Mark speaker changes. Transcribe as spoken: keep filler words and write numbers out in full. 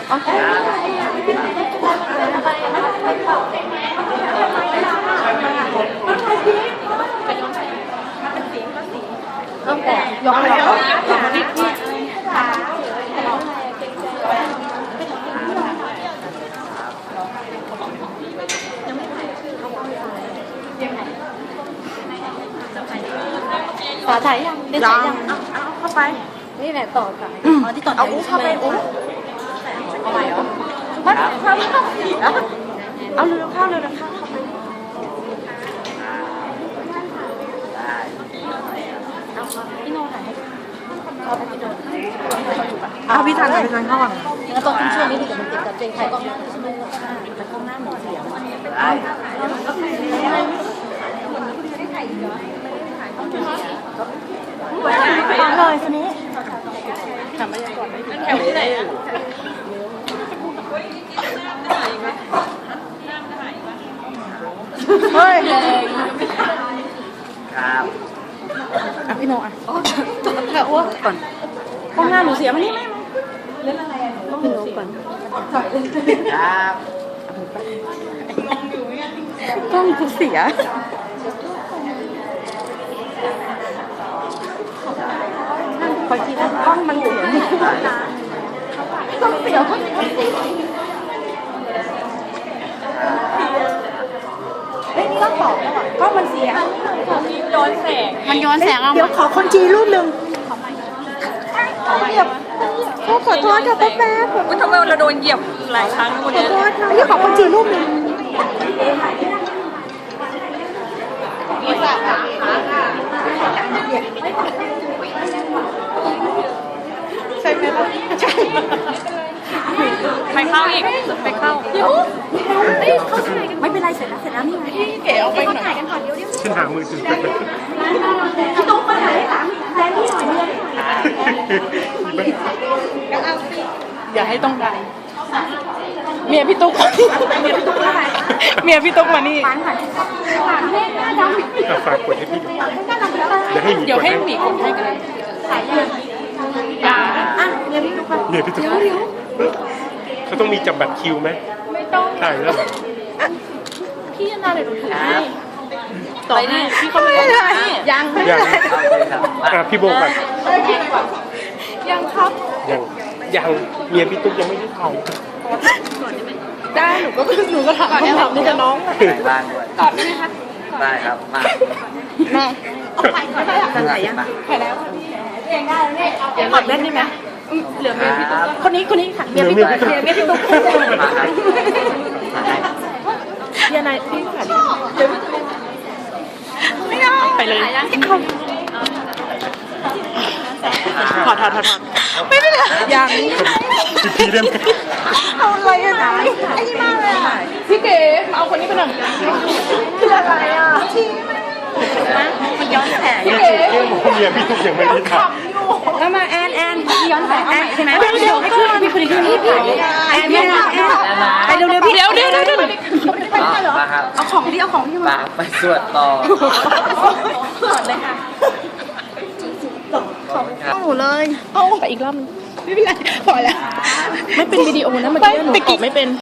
Speaker 1: โอเคต้องแต่ยกเลยสาถ่ายยังได้ถ่ายยังเอาเข้าไปนี่แหละต่อค่ะอ๋อที่ต่อเอาอุ้เข้าไปอุ้เอาใหม่เหรอมาเข้าเข้าเอาเร็วเข้าเร็วเข้าเข้าไปพี่โน่ถ่ายให้เอาไปพี่โน่เอาพี่ทันพี่ทันเข้าก่อนแล้วต้องช่วยนิดนึงเดี๋ยวมันติดกับเจงไทยก็ช่วยแต่กล้องหน้าหมดเสียงฟังเลยคนนี้ทำอะไรก่อนแถวที่ไหนอ่ะเฮ้ยครับอ่ะพี่โนอ่ะแถวอ้วกก่อนกล้องหน้าหนูเสียมานี่ไหมเล่นอะไรอ่ะกล้องหนูก่อนครับกล้องกูเสียพอทีนั้นกล้องมันเสียต้องเสียเฮ้ยนี่ก็บอกแล้วอ่ะกล้องมันเสียย้อนแสงมันย้อนแสงเอาเดี๋ยวขอคนจีรูปหนึ่งเหยียบขอโทษค่ะแป๊บแป๊บทำไมเราโดนเหยียบหลายครั้งขอโทษค่ะนี่ขอคนจีรูปหนึ่งมีสามขาใช่ไหมใช่ไปเข้าอีกไปเข้าเดี๋ยวเข้าที่ไหนกันไม่เป็นไรเสร็จแล้วเสร็จแล้วนี่ไงพี่เก๋เอาไปหน่อยกันก่อนเดี๋ยวเดี๋ยวฉันหามือถือพี่ตุ๊กมาถ่ายให้สามแทนที่หน่อยเมียอย่าให้ต้องได้เมียพี่ตุ๊กเมียพี่ตุ๊กมานี่ฝากกดให้พี่เดี๋ยวให้หมีกดให้กันเลยอย่าอ่ะเมียพี่ตุ๊กเมียพี่ตุ๊กเขาต้องมีจับบัตรคิวไหมไม่ต้องถ่ายแล้วพี่นาเลยดูถูกให้ต่อให้พี่เขาไม่ได้ยังยังอ่ะพี่โบก่อนยังครับยังยังเมียพี่ตุ๊กยังไม่ได้ถ่ายได้หนูก็หนูก็ถามคำถามนี้กับน้องบ้านด้วยกอดได้ไหมคะได้ครับมาแม่เอาไปก่อนได้กันไหนยังไปแล้วเองได้เลยเนี่ยกอดเล่นได้ไหมเหลือเมียพี่ตุ๊กคนนี้คนนี้ค่ะเมียพี่ตุ๊กเมียพี่ตุ๊กเมียนายพี่ค่ะไม่เอาไปเลยถอดถอดถอดไม่เป็นไรยังพี่เล่นเอาอะไรอ่ะไอ้นี่มากเลยอ่ะพี่เก๋มาเอาคนนี้ไปหน่อยคืออะไรอ่ะมันย้อนแสงพี่เก๋เมียพี่ตุ๊กยังไม่ได้ทำแล้วมาแอนแอนย้อนแสงแอนใช่ไหมเดี๋ยวไม่ขึ้นมีคนอีกคนนี้พี่แอนไม่ได้แอนไปเร็วๆพี่เดี๋ยวเดี๋ยวเดี๋ยวเดี๋ยวเอาของที่เอาของที่มา
Speaker 2: ไปสวดต่อ
Speaker 1: สวดเลยค่ะต้องหนูเลยเอาไปอีกรอบไม่เป็นไรพอแล้วไม่เป็นวิดีโอนะเมื่อกี้หนูตอบไม่เป็น